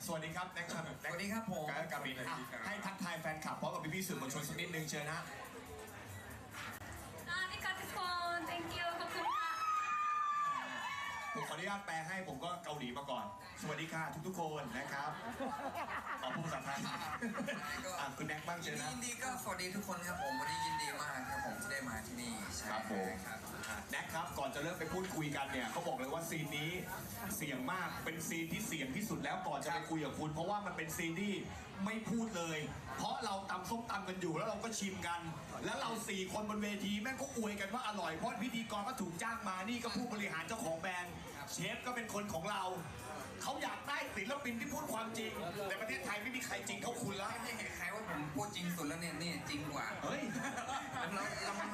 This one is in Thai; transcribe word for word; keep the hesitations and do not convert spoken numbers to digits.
สวัสดีครับแน็กครับสวัสดีครับผมกับกับบินอ่ะให้ทักทายแฟนคลับพร้อมกับพี่ๆสื่อมวลชนสักนิดนึงเชิญนะอาริกาทุกคน thank you ขอบคุณค่ะผมขออนุญาตแปลให้ผมก็เกาหลีมาก่อน สวัสดีค่ะทุกๆคนนะครับขอพูดภาษาไทยอ่ะคุณแน็กบ้างเชิญนะยินดีก็สวัสดีทุกคนครับผมวันนี้ยินดีมากครับผมที่ได้มาที่นี่ใช่ครับผมครับแน็กครับก่อนจะเริ่มไปพูดคุยกันเนี่ยเขาบอกเลยว่าซีนนี้เสี่ยงมากเป็นซีนที่เสี่ยงที่สุดแล้วก่อนจะไปคุยกับคุณ เพราะว่ามันเป็นซีนที่ไม่พูดเลย เพราะเราตำส้มตำกันอยู่แล้วเราก็ชิมกัน แล้วเราสี่คนบนเวทีแม่งก็อวยกันว่าอร่อยเพราะพิธีกรก็ถูกจ้างมานี่ก็ผู้บริหารเจ้าของแบรนด์เชฟก็เป็นคนของเราเขาอยากได้ศิลปินที่พูดความจริงในประเทศไทยไม่มีใครจริงเท่าคุณแล้วไม่เห็นใครว่าผมพูดจริงสุดแล้วเนี่ยนี่จริงกว่าเฮ้ยเราเรา